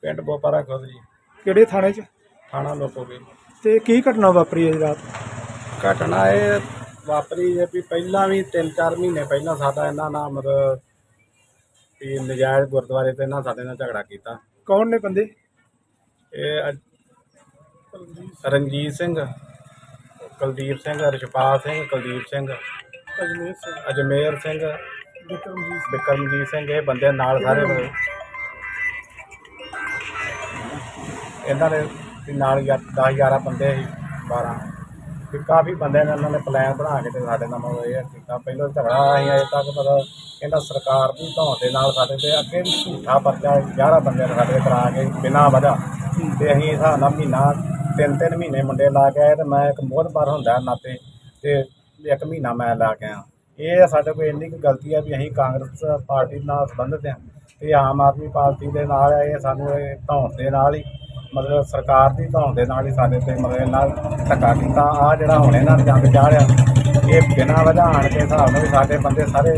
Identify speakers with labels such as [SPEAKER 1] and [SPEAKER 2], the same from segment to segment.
[SPEAKER 1] ਪਿੰਡ ਬੋਪਾਰਾ ਖੁਦ ਜੀ।
[SPEAKER 2] ਕਿਹੜੇ ਥਾਣੇ 'ਚ?
[SPEAKER 1] ਥਾਣਾ ਲੋਕੋਗੇ।
[SPEAKER 2] ਤੇ ਕੀ ਘਟਨਾ ਵਾਪਰੀ ਹੈ ਰਾਤ?
[SPEAKER 1] ਘਟਨਾ ਇਹ ਵਾਪਰੀ ਹੈ ਵੀ ਪਹਿਲਾਂ ਵੀ 3-4 ਮਹੀਨੇ ਪਹਿਲਾਂ ਸਾਡਾ ਇਹਨਾਂ ਨਾਲ ਮਤਲਬ ਵੀ ਨਜਾਇਜ਼ ਗੁਰਦੁਆਰੇ 'ਤੇ ਇਹਨਾਂ ਸਾਡੇ ਨਾਲ ਝਗੜਾ ਕੀਤਾ।
[SPEAKER 2] ਕੌਣ ਨੇ ਬੰਦੇ?
[SPEAKER 1] ਇਹ ਰਣਜੀਤ ਸਿੰਘ, ਕੁਲਦੀਪ ਸਿੰਘ, ਰਿਸ਼ਪਾਲ ਸਿੰਘ, ਕੁਲਦੀਪ ਸਿੰਘ, ਅਜਮੇਰ ਸਿੰਘ, ਬਿਕਰਮਜੀਤ ਸਿੰਘ, ਇਹ ਬੰਦੇ ਨਾਲ ਸਾਰੇ ਇਹਨਾਂ ਦੇ ਨਾਲ 10-11 ਬੰਦੇ ਸੀ, 12 ਵੀ ਕਾਫੀ ਬੰਦੇ ਨੇ ਇਹਨਾਂ ਨੇ ਪਲਾਨ ਬਣਾ ਕੇ ਤੇ ਸਾਡੇ ਨਾਲ ਮਤਲਬ ਇਹ ਕੀਤਾ। ਪਹਿਲਾਂ ਝਗੜਾ ਅਸੀਂ ਅਜੇ ਤੱਕ ਮਤਲਬ ਕਹਿੰਦਾ ਸਰਕਾਰ ਦੀ ਧੌਣ ਦੇ ਨਾਲ ਸਾਡੇ ਤੇ ਅੱਗੇ ਵੀ ਝੂਠਾ ਪਰਚਾ 11 ਬੰਦੇ ਨੇ ਸਾਡੇ ਕਰਾ ਕੇ ਬਿਨਾਂ ਵਜ੍ਹਾ ਤੇ ਅਸੀਂ ਹਿਸਾਬ ਨਾਲ ਮਹੀਨਾ 3-3 ਮਹੀਨੇ ਮੁੰਡੇ ਲਾ ਕੇ ਆਏ ਤੇ ਮੈਂ ਇੱਕ ਮੋਹਤਬਾਰ ਹੁੰਦਾ ਨਾਤੇ ਤੇ 1 ਮਹੀਨਾ ਮੈਂ ਲਾ ਕੇ ਆਇਆ। ਇਹ ਸਾਡੇ ਕੋਲ ਇੰਨੀ ਕੁ ਗਲਤੀ ਹੈ ਵੀ ਅਸੀਂ ਕਾਂਗਰਸ ਪਾਰਟੀ ਨਾਲ ਸੰਬੰਧਿਤ ਹਾਂ ਤੇ ਆਮ ਆਦਮੀ ਪਾਰਟੀ ਦੇ ਨਾਲ ਇਹ ਸਾਨੂੰ ਇਹ ਧੌਣ ਦੇ ਨਾਲ ਹੀ ਮਤਲਬ ਸਰਕਾਰ ਦੀ ਧੌਣ ਦੇ ਨਾਲ ਹੀ ਸਾਡੇ 'ਤੇ ਮਤਲਬ ਇਹਨਾਂ ਧੱਕਾ ਕੀਤਾ। ਆਹ ਜਿਹੜਾ ਹੁਣ ਇਹਨਾਂ ਨੇ ਜੰਗ ਚਾੜਿਆ ਇਹ ਬਿਨਾਂ ਵਜ੍ਹਾ ਆਣ ਕੇ ਹਿਸਾਬ ਨਾਲ ਵੀ ਸਾਡੇ ਬੰਦੇ ਸਾਰੇ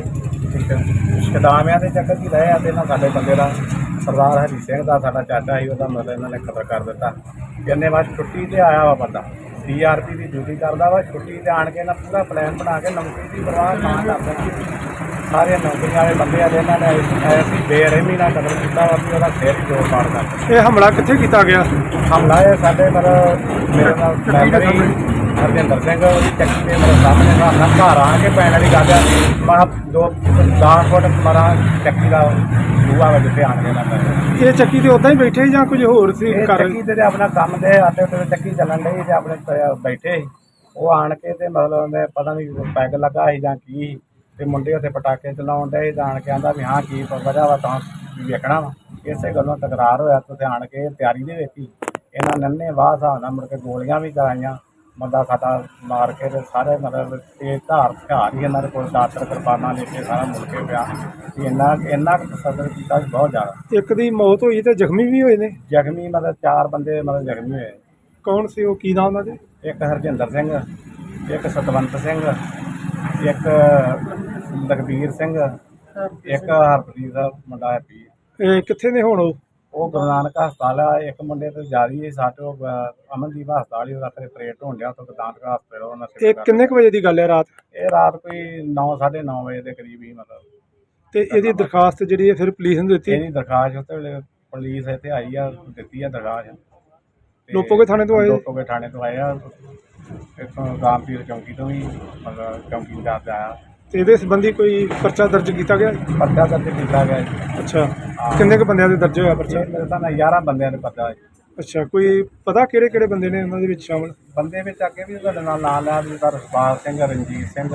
[SPEAKER 1] ਕਦਾਮਿਆਂ ਦੇ ਚੱਕਰ 'ਚ ਹੀ ਰਹੇ ਆ ਤੇ ਇਹਨਾਂ ਸਾਡੇ ਬੰਦੇ ਦਾ ਸਰਦਾਰ ਹਰੀ ਸਿੰਘ ਦਾ ਸਾਡਾ ਚਾਚਾ ਸੀ, ਉਹਦਾ ਮਤਲਬ ਇਹਨਾਂ ਨੇ ਕਤਲ ਕਰ ਦਿੱਤਾ। ਕਹਿੰਦੇ ਬਸ ਛੁੱਟੀ 'ਤੇ ਆਇਆ ਵਾ ਬੰਦਾ, CRP ਦੀ ਡਿਊਟੀ ਕਰਦਾ ਵਾ, ਛੁੱਟੀ 'ਤੇ ਆਣ ਕੇ ਇਹਨਾਂ ਪੂਰਾ ਪਲਾਨ ਬਣਾ ਕੇ ਨੌਕਰੀ ਦੀ ਪਰਵਾਹ ਨਾ ਕਰਦੇ ਸਾਰੇ ਨੌਕਰੀਆਂ ਵਾਲੇ ਬੰਦੇ ਆ ਇਹਨਾਂ ਨੇ ਐਸੀ ਬੇਰਹਿਮੀ ਨਾਲ ਕਤਲ ਕੀਤਾ ਵਾ ਵੀ ਉਹਦਾ ਸਿਰ ਹੀ ਜੋੜ ਪਾੜ ਕਰ।
[SPEAKER 2] ਇਹ ਹਮਲਾ ਕਿੱਥੇ ਕੀਤਾ ਗਿਆ?
[SPEAKER 1] ਹਮਲਾ ਇਹ ਸਾਡੇ ਮਤਲਬ ਮੇਰੇ ਨਾਲ ਮੈਂਬਰੀ ਹਰਜਿੰਦਰ ਸਿੰਘ ਉਹਦੀ ਚੱਕੀ ਦੇ ਮੇਰੇ ਸਾਹਮਣੇ ਨਾਲ ਘਰ ਆ ਕੇ ਪੈਣ ਵਾਲੀ ਗੱਲ ਆ। ਮੈਂ 10 ਫੁੱਟ ਮਾਰਾ ਚੱਕੀ ਦਾ ਬੂਹਾ ਵਾ ਜਿੱਥੇ ਆਣ ਕੇ ਨਾ ਪੈ।
[SPEAKER 2] ਇਹ ਚੱਕੀ ਤੇ ਉੱਦਾਂ ਹੀ ਬੈਠੇ ਜਾਂ ਕੁਝ ਹੋਰ ਸੀ?
[SPEAKER 1] ਚੱਕੀ ਤੇ ਆਪਣਾ ਕੰਮ ਦੇ ਆਟੇ ਉੱਤੇ ਚੱਕੀ ਚੱਲਣ ਡਈ ਤੇ ਆਪਣੇ ਬੈਠੇ ਸੀ। ਉਹ ਆਣ ਕੇ ਤੇ ਮਤਲਬ ਉਹਨੇ ਪਤਾ ਨਹੀਂ ਪੈਗ ਲੱਗਾ ਸੀ ਜਾਂ ਕੀ ਸੀ ਤੇ ਮੁੰਡੇ ਉੱਥੇ ਪਟਾਕੇ ਚਲਾਉਣ ਡਏ ਜਾਣ ਕੇ ਆਂਦਾ ਵੀ ਹਾਂ ਕੀ ਵਜ੍ਹਾ ਵਾ ਤਾਂ ਵੇਖਣਾ ਵਾ। ਇਸੇ ਗੱਲੋਂ ਤਕਰਾਰ ਹੋਇਆ ਤੇ ਆਣ ਕੇ ਤਿਆਰੀ ਦੇ ਵਿੱਚ ਹੀ ਇਹਨਾਂ ਨੰਨੇ ਵਾਹ ਹਿਸਾਬ ਨਾਲ ਮੁੜ ਕੇ ਗੋਲੀਆਂ ਵੀ ਚਲਾਈਆਂ। ਬੰਦਾ ਸਾਡਾ ਮਾਰ ਕੇ ਤੇ ਸਾਰੇ ਮਤਲਬ ਤੇਜ਼ ਧਾਰ ਹਥਿਆਰ ਹੀ ਇਹਨਾਂ ਦੇ ਕੋਲ ਦਾਤਰ ਕਿਰਪਾਨਾਂ ਲੈ ਕੇ ਸਾਰਾ ਮੁੜ ਕੇ ਪਿਆ ਵੀ ਇੰਨਾ ਕੁ ਤਸੱਦਦ ਕੀਤਾ ਵੀ ਬਹੁਤ ਜ਼ਿਆਦਾ।
[SPEAKER 2] ਇੱਕ ਦੀ ਮੌਤ ਹੋਈ ਤੇ ਜ਼ਖਮੀ ਵੀ ਹੋਏ ਨੇ?
[SPEAKER 1] ਜ਼ਖਮੀ ਮਤਲਬ 4 ਬੰਦੇ ਮਤਲਬ ਜ਼ਖਮੀ ਹੋਏ।
[SPEAKER 2] ਕੌਣ ਸੀ ਉਹ? ਕੀ ਨਾਮ ਉਹਨਾਂ ਦੇ?
[SPEAKER 1] ਇੱਕ ਹਰਜਿੰਦਰ ਸਿੰਘ, ਇੱਕ ਸਤਵੰਤ ਸਿੰਘ, ਇੱਕ ਲਖਬੀਰ ਸਿੰਘ, ਇੱਕ ਹਰਪ੍ਰੀਤ ਦਾ ਮੁੰਡਾ ਹੈਪੀ।
[SPEAKER 2] ਇਹ ਕਿੱਥੇ ਨੇ ਹੁਣ?
[SPEAKER 1] ਉਹ ਗੁਰੂ ਨਾਨਕ ਹਸਪਤਾਲ ਆ। ਇੱਕ ਮੁੰਡੇ ਤੇ ਜਾਰੀ ਹੈ ਸਾਡੇ ਅਮਨਦੀਪ ਹਸਪਤਾਲ ਹੀ ਉਹਦਾ ਪਰੇਡ ਹੋਣ ਡਿਆ ਉੱਥੋਂ ਗੁਰੂ ਨਾਨਕ ਹਸਪਤਾਲ ਉਹਨਾਂ
[SPEAKER 2] ਇਹ ਕਿੰਨੇ ਕੁ ਵਜੇ ਦੀ ਗੱਲ ਹੈ ਰਾਤ?
[SPEAKER 1] ਇਹ ਰਾਤ ਕੋਈ 9-9:30 ਵਜੇ ਦੇ ਕਰੀਬ ਹੀ ਮਤਲਬ।
[SPEAKER 2] ਤੇ ਇਹਦੀ ਦਰਖਾਸਤ ਜਿਹੜੀ ਹੈ ਫਿਰ ਪੁਲਿਸ ਨੂੰ ਦਿੱਤੀ?
[SPEAKER 1] ਇਹਦੀ ਦਰਖਾਸਤ ਉੱਤੇ ਵੇਲੇ ਪੁਲਿਸ ਇੱਥੇ ਆਈ ਆ, ਦਿੱਤੀ ਆ ਦਰਖਾਸਤ।
[SPEAKER 2] ਲੋਪੋਗੇ ਥਾਣੇ ਤੋਂ ਆਏ?
[SPEAKER 1] ਲੋਪੋਗੇ ਥਾਣੇ ਤੋਂ ਆਏ ਆ, ਇੱਥੋਂ ਰਾਮਪੀਰ ਚੌਂਕੀ ਤੋਂ ਵੀ ਮਤਲਬ ਚੌਂਕੀ ਇੰਚਾਰਜ ਆਇਆ।
[SPEAKER 2] ਤੇ ਇਹਦੇ ਸੰਬੰਧੀ ਕੋਈ ਪਰਚਾ ਦਰਜ ਕੀਤਾ ਗਿਆ?
[SPEAKER 1] ਪਰਚਾ ਦਰਜ ਕੀਤਾ ਗਿਆ ਜੀ।
[SPEAKER 2] ਅੱਛਾ, ਕਿੰਨੇ ਕੁ ਬੰਦਿਆਂ ਦੇ ਦਰਜ ਹੋਇਆ ਪਰਚਾ?
[SPEAKER 1] ਮੇਰੇ ਤਾਂ 11 ਬੰਦਿਆਂ ਦੇ ਪਰਚਾ।
[SPEAKER 2] ਅੱਛਾ, ਕੋਈ ਪਤਾ ਕਿਹੜੇ ਕਿਹੜੇ ਬੰਦੇ ਨੇ ਉਹਨਾਂ ਦੇ ਵਿੱਚ ਸ਼ਾਮਲ?
[SPEAKER 1] ਬੰਦੇ ਵਿੱਚ ਅੱਗੇ ਵੀ ਤੁਹਾਡੇ ਨਾਲ ਨਾਂ ਲਿਆ ਵੀ ਰਸਪਾਲ ਸਿੰਘ, ਰਣਜੀਤ ਸਿੰਘ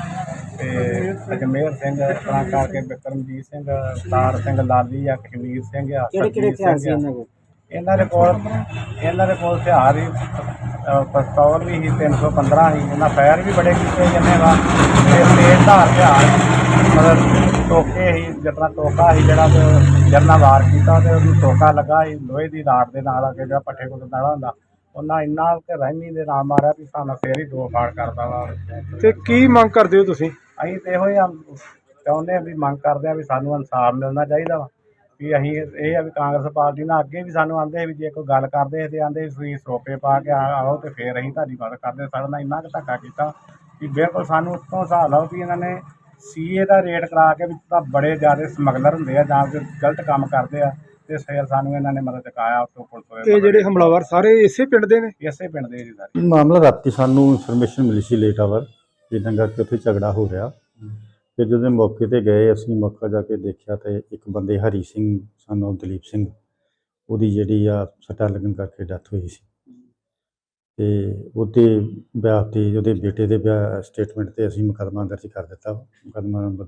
[SPEAKER 1] ਤੇ ਅਜਮੇਰ ਸਿੰਘ, ਇਸ ਤਰ੍ਹਾਂ ਕਰਕੇ ਬਿਕਰਮਜੀਤ ਸਿੰਘ, ਸਤਾਰ ਸਿੰਘ, ਲਾਲੀ ਆ, ਕਸ਼ਮੀਰ ਸਿੰਘ ਆ।
[SPEAKER 2] ਕਿਹੜੇ ਹਥਿਆਰ ਸੀ ਇਹਨਾਂ ਕੋਲ?
[SPEAKER 1] ਇਹਨਾਂ ਦੇ ਕੋਲ ਹਥਿਆਰ ਹੀ ਪਿਸਤੌਲ ਵੀ ਸੀ, 315 ਸੀ। ਇਹਨਾਂ ਫਾਇਰ ਵੀ ਬੜੇ ਕੀਤੇ ਜਾਂਦੇ ਵਾ ਤੇ ਤੇਜ਼ ਧਾਰ ਹਥਿਆਰ ਮਤਲਬ ਟੋਕੇ ਸੀ, ਜਿਸ ਤਰ੍ਹਾਂ ਟੋਕਾ ਸੀ ਜਿਹੜਾ ਜਰਨਾ ਵਾਰ ਕੀਤਾ ਤੇ ਉਹਨੂੰ ਟੋਕਾ ਲੱਗਾ ਸੀ ਲੋਹੇ ਦੀ ਰਾਡ ਦੇ ਨਾਲ ਅੱਗੇ ਜਿਹੜਾ ਪੱਠੇ ਕੋਲ ਨਾਲਾ ਹੁੰਦਾ ਉਹਨਾਂ ਇੰਨਾ ਕਿ ਰਹਿਮੀ ਦੇ ਨਾਲ ਮਾਰਿਆ ਵੀ ਸਾਨੂੰ ਫੇਰ ਹੀ ਦੋ ਫਾੜ ਕਰਦਾ ਵਾ।
[SPEAKER 2] ਤੇ ਕੀ ਮੰਗ ਕਰਦੇ ਹੋ ਤੁਸੀਂ?
[SPEAKER 1] ਅਸੀਂ ਤੇ ਇਹੋ ਹੀ ਚਾਹੁੰਦੇ ਹਾਂ ਵੀ ਮੰਗ ਕਰਦੇ ਹਾਂ ਵੀ ਸਾਨੂੰ ਇਨਸਾਫ ਮਿਲਣਾ ਚਾਹੀਦਾ ਵਾ। ਵੀ ਅਸੀਂ ਇਹ ਆ ਵੀ ਕਾਂਗਰਸ ਪਾਰਟੀ ਨਾਲ ਅੱਗੇ ਵੀ ਸਾਨੂੰ ਆਂਦੇ ਵੀ ਜੇ ਕੋਈ ਗੱਲ ਕਰਦੇ ਤੇ ਆਂਦੇ ਤੁਸੀਂ ਸਰੋਪੇ ਪਾ ਕੇ ਆਓ ਤੇ ਫਿਰ ਅਸੀਂ ਤੁਹਾਡੀ ਮਦਦ ਕਰਦੇ। ਸਾਡੇ ਨਾਲ ਇੰਨਾ ਕੁ ਧੱਕਾ ਕੀਤਾ ਵੀ ਬਿਲਕੁਲ ਸਾਨੂੰ ਉੱਤੋਂ ਹਿਸਾਬ ਲਓ ਵੀ ਇਹਨਾਂ ਨੇ CA ਦਾ ਰੇਟ ਕਰਾ ਕੇ ਵੀ ਤਾਂ ਬੜੇ ਜ਼ਿਆਦਾ ਸਮਗਲਰ ਹੁੰਦੇ ਆ ਜਾਂ ਫਿਰ ਗਲਤ ਕੰਮ ਕਰਦੇ ਆ ਤੇ ਫਿਰ ਸਾਨੂੰ ਇਹਨਾਂ ਨੇ ਮਦਦ ਚੁਕਾਇਆ ਉੱਥੋਂ ਪੁਲਿਸ।
[SPEAKER 2] ਇਹ ਜਿਹੜੇ ਹਮਲਾਵਰ ਸਾਰੇ ਇਸੇ ਪਿੰਡ ਦੇ ਨੇ?
[SPEAKER 1] ਇਸੇ ਪਿੰਡ ਦੇ ਜੀ ਸਾਰੇ।
[SPEAKER 3] ਮਾਮਲਾ ਰਾਤੀ ਸਾਨੂੰ ਇਨਫੋਰਮੇਸ਼ਨ ਮਿਲੀ ਸੀ ਲੇਟ ਆਵਰ ਜਿੱਦਾਂ ਕਰਕੇ ਉੱਥੇ ਝਗੜਾ ਹੋ ਰਿਹਾ। ਫਿਰ ਜਦੋਂ ਮੌਕੇ 'ਤੇ ਗਏ ਅਸੀਂ ਮੌਕਾ ਜਾ ਕੇ ਦੇਖਿਆ ਤੇ ਇੱਕ ਬੰਦੇ ਹਰੀ ਸਿੰਘ ਸਾਨੂੰ ਦਲੀਪ ਸਿੰਘ ਉਹਦੀ ਜਿਹੜੀ ਆ ਸੱਟਾਂ ਲੱਗਣ ਕਰਕੇ ਡੈਥ ਹੋਈ ਸੀ ਤੇ ਉਹਦੇ ਵਿਆਹ 'ਤੇ ਉਹਦੇ ਬੇਟੇ ਦੇ ਵਿਆਹ ਸਟੇਟਮੈਂਟ 'ਤੇ ਅਸੀਂ ਮੁਕੱਦਮਾ ਦਰਜ ਕਰ ਦਿੱਤਾ। ਮੁਕੱਦਮਾ ਨੰਬਰ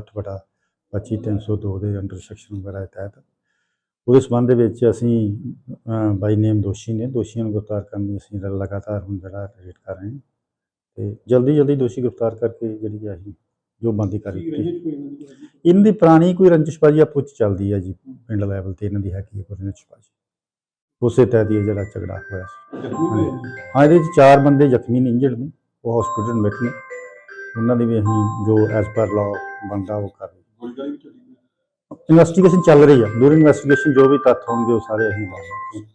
[SPEAKER 3] 260/25/302 ਦੇ ਅੰਡਰ ਸੈਕਸ਼ਨ ਵਗੈਰਾ ਦੇ ਤਹਿਤ ਉਹਦੇ ਸੰਬੰਧ ਦੇ ਵਿੱਚ ਅਸੀਂ ਬਾਈ ਨੇਮ ਦੋਸ਼ੀ ਨੇ ਦੋਸ਼ੀਆਂ ਨੂੰ ਗ੍ਰਿਫਤਾਰ ਕਰਨ ਦੀ ਅਸੀਂ ਲਗਾਤਾਰ ਹੁਣ ਜਿਹੜਾ ਰੇਟ ਕਰ ਰਹੇ ਹਾਂ ਤੇ ਜਲਦੀ ਦੋਸ਼ੀ ਗ੍ਰਿਫਤਾਰ ਕਰਕੇ ਜਿਹੜੀ ਆ ਅਸੀਂ ਜੋ ਬੰਦੀ ਕਰ ਰਹੀ ਇਹਨਾਂ ਦੀ ਪੁਰਾਣੀ ਕੋਈ ਰੰਜਿਸ਼ਬਾਜੀ ਆਪੋ 'ਚ ਚੱਲਦੀ ਹੈ ਜੀ ਪਿੰਡ ਲੈਵਲ 'ਤੇ ਇਹਨਾਂ ਦੀ ਹੈਗੀ ਹੈ ਕੋਈ ਰੰਜਿਸ਼ਬਾਜੀ ਉਸੇ ਤਹਿਤ ਹੀ ਜਿਹੜਾ ਝਗੜਾ ਹੋਇਆ ਸੀ। ਹਾਂ ਇਹਦੇ 'ਚ 4 ਬੰਦੇ ਜ਼ਖਮੀ ਨੇ ਇੰਜਰਡ ਨੇ ਉਹ ਹਸਪੀਟਲ ਵਿੱਚ ਨੇ ਉਹਨਾਂ ਦੀ ਵੀ ਅਸੀਂ ਜੋ ਐਜ਼ ਪਰ ਲਾਅ ਬਣਦਾ ਉਹ ਕਰ ਰਹੇ। ਇਨਵੈਸਟੀਗੇਸ਼ਨ ਚੱਲ ਰਹੀ ਆ। ਡੂਰਿੰਗ ਇਨਵੈਸਟੀਗੇਸ਼ਨ ਜੋ ਵੀ ਤੱਥ ਹੋਣਗੇ ਉਹ ਸਾਰੇ ਅਸੀਂ ਲਾਵਾਂਗੇ।